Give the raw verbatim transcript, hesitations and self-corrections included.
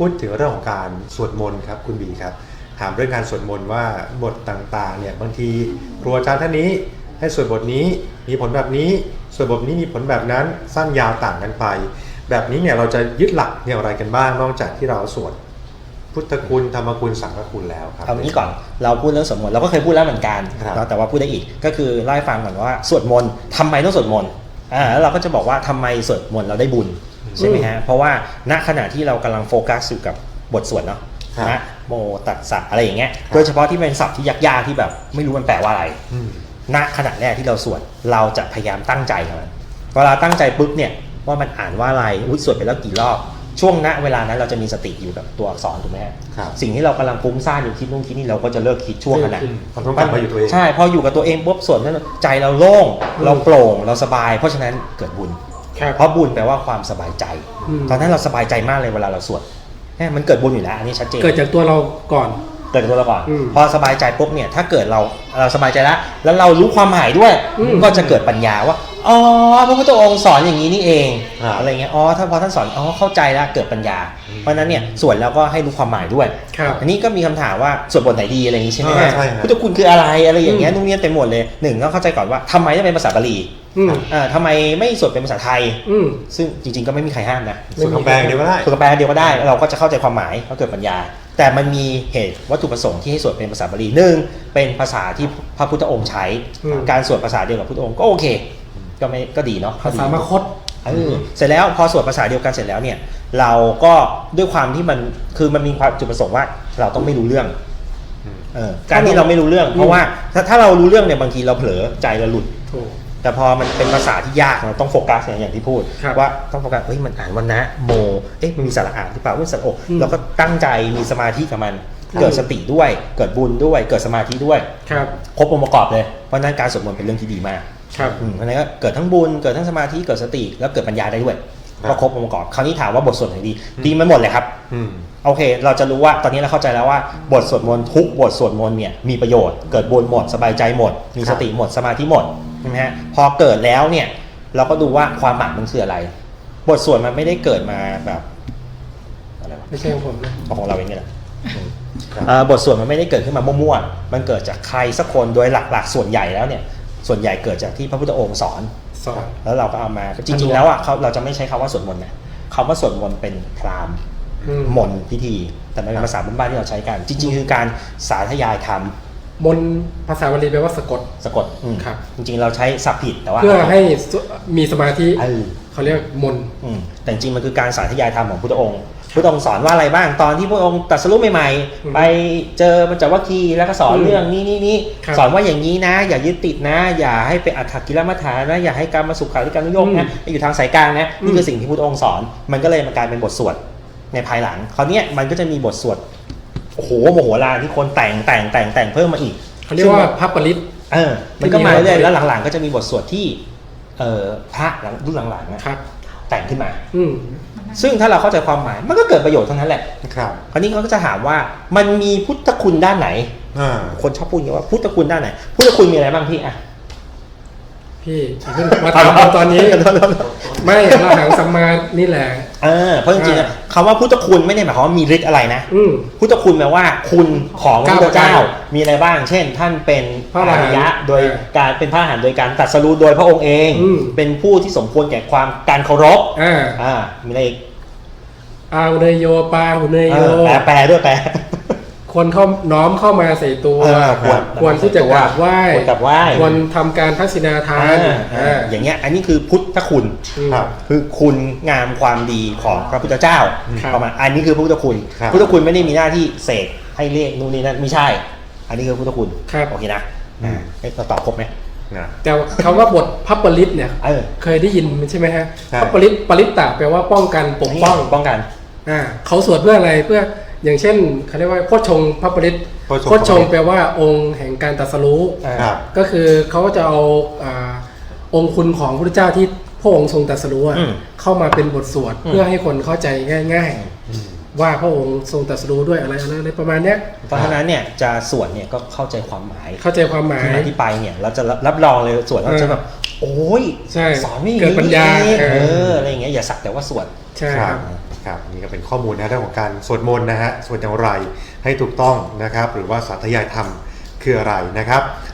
พูดถึงเรื่องของการสวดมนต์ครับคุณบีครับถามเรื่องการสวดมนต์ว่าบทต่างๆเนี่ยบางทีครูอาจารย์ท่านนี้ให้สวดบทนี้มีผลแบบนี้สวดบทนี้มีผลแบบนั้นสั้นยาวต่างกันไปแบบนี้เนี่ยเราจะยึดหลักอย่างไรกันบ้างนอกจากที่เราสวดพุทธคุณธรรมคุณสังฆคุณแล้วครับเอางี้ก่อนเราพูดเรื่องสวดมนต์เราก็เคยพูดแล้วเหมือนกันแต่ว่าพูดได้อีกก็คือเล่าให้ฟังก่อนว่าสวดมนต์ทำไมต้องสวดมนต์อ่าแล้วเราก็จะบอกว่าทำไมสวดมนต์เราได้บุญใช่ไหมฮะเพราะว่าณขณะที่เรากำลังโฟกัสอยู่กับบทสวดเนาะนะโมตัสสะอะไรอย่างเงี้ยโดยเฉพาะที่เป็นศัพท์ที่ยากๆที่แบบไม่รู้มันแปลว่าอะไรณขณะแรกที่เราสวดเราจะพยายามตั้งใจกับมันเวลาตั้งใจปุ๊บเนี่ยว่ามันอ่านว่าอะไรอุ้ยสวดไปแล้วกี่รอบช่วงณเวลานั้นเราจะมีสติอยู่กับตัวอักษรถูกไหมครับสิ่งที่เรากำลังฟุ้งซ่านอยู่คิดนู่นคิดนี่เราก็จะเลิกคิดช่วงนั้นมันต้องกลับมาอยู่ตัวเองใช่พออยู่กับตัวเองปุ๊บส่วนนั้นใจเราโล่งเราโปร่งเราสบายเพราะฉะนั้นเกิดบุญเพราะบุญแปลว่าความสบายใจตอนนั้นเราสบายใจมากเลยเวลาเราสวดมันเกิดบุญอยู่แล้วอันนี้ชัดเจนเกิดจากตัวเราก่อนเกิดจากตัวเราก่อนพอสบายใจปุ๊บเนี่ยถ้าเกิดเราเราสบายใจแล้วแล้วเรารู้ความหมายด้วยก็จะเกิดปัญญาว่าอ๋อพระพุทธองค์สอนอย่างนี้นี่เองอะไรเงี้ยอ๋อถ้าพอท่านสอนอ๋อเข้าใจแล้วเกิดปัญญาเพราะนั้นเนี่ยส่วนแล้วก็ให้รู้ความหมายด้วยอันนี้ก็มีคำถามว่าสวดบทไหนดีอะไรอย่างนี้ใช่ไหมพุทธคุณคืออะไรอะไรอย่างเงี้ยนุ่งเนียนเต็มหมดเลยหนึ่งต้องเข้าใจก่อนว่าทำไมต้องเป็นภาษาบาลีอ่าทำไมไม่สวดเป็นภาษาไทยซึ่งจริงๆก็ไม่มีใครห้ามนะสวดคำแปลเดียวก็ได้สวดคำแปลเดียวก็ได้เราก็จะเข้าใจความหมายก็เกิดปัญญาแต่มันมีเหตุวัตถุประสงค์ที่ให้สวดเป็นภาษาบาลีหนึ่งเป็นภาษาที่พระพุทธองค์ใช้การสวดภาษาเดียวกับพุทธองค์ก็โอเคก็ไม่ก็ดีเนาะภาษามคธเสร็จแล้วพอสวดภาษาเดียวกันเสร็จแล้วเนี่ยเราก็ด้วยความที่มันคือมันมีความจุดประสงค์ว่าเราต้องไม่รู้เรื่องการที่เราไม่รู้เรื่องเพราะว่าถ้าถ้าเรารู้เรื่องเนี่ยบางทีเราเผลอใจเราหลุดแต่พอมันเป็นภาษาที่ยากเราต้องโฟกัสอย่างที่พูดว่าต้องโฟกัสเฮ้ยมันอ่านวันนะโมเอ๊ะมันมีสระอ่านหรือเปล่าว่าสระโอเราก็ตั้งใจมีสมาธิกับมันเกิดสติด้วยเกิดบุญด้วยเกิดสมาธิด้วยครบองค์ประกอบเลยเพราะนั้นการสวดมนต์เป็นเรื่องที่ดีมากครับเพราะนั้นก็เกิดทั้งบุญเกิดทั้งสมาธิเกิดสติแล้วเกิดปัญญาได้ด้วยก็ครบองค์ประกอบคราวนี้ถามว่าบทสวดไหนดีดีมาหมดเลยครับโอเคเราจะรู้ว่าตอนนี้เราเข้าใจแล้วว่าบทสวดมนต์ทุกบทสวดมนต์เนี่ยมีประโยชน์เกิดบุญหมดสบายใจหมดมีสติหมดสมาธิหมดใช่ไหมฮะพอเกิดแล้วเนี่ยเราก็ดูว่าความหมายมันคืออะไรบทสวดมันไม่ได้เกิดมาแบบอะไรวะไม่ใช่ของผมนะของเราเองนี่แหละบทสวดมันไม่ได้เกิดขึ้นมามั่วๆมันเกิดจากใครสักคนโดยหลักๆส่วนใหญ่แล้วเนี่ยส่วนใหญ่เกิดจากที่พระพุทธองค์สอนสอนแล้วเราก็เอามาจริงๆแล้วอ่ะเขาเราจะไม่ใช้คำว่าสวดมนต์นะคำว่าสวดมนต์เป็นพราหมณ์มนต์พิธีแต่ไม่เป็นภาษาบ้านๆที่เราใช้กันจริงๆคือการสาธยายธรรมมนต์ภาษาบาลีแปลว่าสะกดสะกดครับจริงๆเราใช้ศัพท์ผิดแต่ว่าเพื่อให้มีสมาธิเขาเรียกมนต์แต่จริงๆมันคือการสาธยายธรรมของพุทธองค์พุทธองค์สอนว่าอะไรบ้างตอนที่พระองค์ตรัสรู้ใหม่ๆไปเจอปัญจวัคคีย์แล้วก็สอนเรื่องนี้นี่นี่สอนว่าอย่างนี้นะอย่ายึดติดนะอย่าให้เป็นอัตถกิลมัฏฐานะอย่าให้การมาสุขาริการนุโยคนะอยู่ทางสายกลางนะนี่คือสิ่งที่พุทธองค์สอนมันก็เลยมากลายเป็นบทสวดในภายหลังคราวนี้มันก็จะมีบทสวดโอ้โหโมโหลานที่คนแต่งแต่งแต่งแต่งเพิ่มมาอีกเขาเรียกว่าพระปริตเออมันก็มาเรื่อยแล้วหลังๆก็จะมีบทสวดที่เอ่อพระหลังรุ่นหลังๆนะแต่งขึ้นมาซึ่งถ้าเราเข้าใจความหมายมันก็เกิดประโยชน์ทั้งนั้นแหละครับคราวนี้เขาก็จะถามว่ามันมีพุทธคุณด้านไหนคนชอบพูดอย่างนี้ว่าพุทธคุณด้านไหนพุทธคุณมีอะไรบ้างพี่อ่ะพี่เพิ่งมาถามตอนนี้ไม่เราหางสัมมานี่แหละเออเพราะจริงๆคำว่าพุทธคุณไม่ได้หมายความว่ามีฤทธิ์อะไรนะพุทธคุณแปลว่าคุณของพระพุทธเจ้ามีอะไรบ้างเช่นท่านเป็นพระอริยะโดยการเป็นพระอรหันต์โดยการตรัสรู้โดยพระองค์เองเป็นผู้ที่สมควรแก่ความการเคารพอ่ามีอะไรอีกอาหุเนยโยปาหุเนยโยแปลแปลด้วยแปลควรเข้าน้อมเข้ามาใส่ตัวควรควรที่จะกราบไหว้ควรทำการทักษิณาทานอย่างเงี้ยอันนี้คือพุทธคุณคือคุณงามความดีของพระพุทธเจ้าประมาณอันนี้คือพุทธคุณพุทธคุณไม่ได้มีหน้าที่เสกให้เรียกนู่นนี่นั่นไม่ใช่อันนี้คือพุทธคุณโอเคนะเราตอบครบไหมแต่คำว่าบทพระปริตเนี่ยเคยได้ยินใช่ไหมฮะพระปริตปริตตะแปลว่าป้องกันปกป้องป้องกันอ่าเขาสวดเพื่ออะไรเพื่ออย่างเช่นเขาเรียกว่าโคชงพระปริตโคชงแปลว่าองค์แห่งการตรัสรู้ก็คือเขาก็จะเอาองค์คุณของพระพุทธเจ้าที่พระองค์ทรงตรัสรู้เข้ามาเป็นบทสวดเพื่อให้คนเข้าใจง่ายๆว่าพระองค์ทรงตรัสรู้ด้วยอะไรอะไรประมาณนี้เพราะฉะนั้นเนี่ยจะสวดเนี่ยก็เข้าใจความหมายเข้าใจความหมายที่ไปเนี่ยเราจะรับรองเลยสวดเราจะแบบโอ้ยสอนไม่เกิดปัญญาเอออะไรอย่างเงี้ยอย่าสักแต่ว่าสวดใช่ครับครับนี่ก็เป็นข้อมูลนะเรื่องของการสวดมนต์นะฮะสวดอย่างไรให้ถูกต้องนะครับหรือว่าสาธยายธรรมคืออะไรนะครับ